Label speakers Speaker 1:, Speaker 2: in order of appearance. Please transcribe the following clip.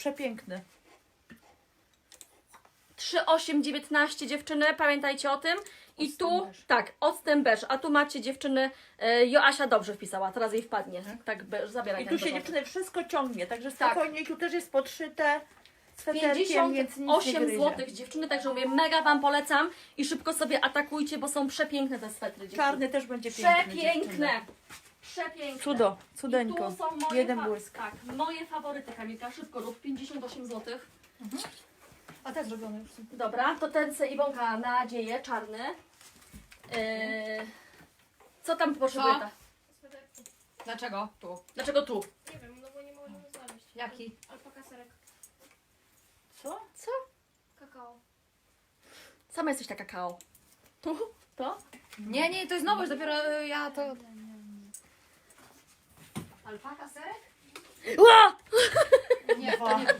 Speaker 1: Przepiękny.
Speaker 2: 3,819 dziewczyny, pamiętajcie o tym. I
Speaker 1: Octem
Speaker 2: tu,
Speaker 1: beż.
Speaker 2: tak, octem beż, a tu macie dziewczyny, Joasia dobrze wpisała, teraz jej wpadnie. Tak, beż, zabieraj
Speaker 1: I
Speaker 2: ten
Speaker 1: tu się
Speaker 2: beżowy.
Speaker 1: dziewczyny wszystko ciągnie, także
Speaker 2: Tak.
Speaker 1: spokojnie, tu też jest podszyte sweterkiem, więc nic nie
Speaker 2: 58
Speaker 1: gryzie.
Speaker 2: zł dziewczyny, także mówię, mega Wam polecam i szybko sobie atakujcie, bo są przepiękne te swetry dziewczyny.
Speaker 1: Czarny też będzie piękny.
Speaker 2: Przepiękne! Przepiękne.
Speaker 1: Cudo,
Speaker 2: I
Speaker 1: cudeńko.
Speaker 2: tu są moje,
Speaker 1: Jeden błysk.
Speaker 2: tak, moje faworyty, Kamilka, szybko rób, 58 zł.
Speaker 3: A te zrobione już są.
Speaker 2: Dobra, to ten se Iwonka nadzieję, czarny. Co tam potrzebuje?
Speaker 3: Co?
Speaker 2: ta?
Speaker 3: Dlaczego? Tu.
Speaker 2: Dlaczego tu?
Speaker 4: Nie wiem, no bo nie możemy znaleźć.
Speaker 3: Jaki?
Speaker 4: Alpaka serek.
Speaker 1: Co?
Speaker 2: Co?
Speaker 4: Kakao.
Speaker 2: Sama jesteś taka kakao. Tu? To?
Speaker 3: Nie, to jest nowość, dopiero ja to... Alpaka serek?
Speaker 2: Ła!
Speaker 3: Nie, to nie.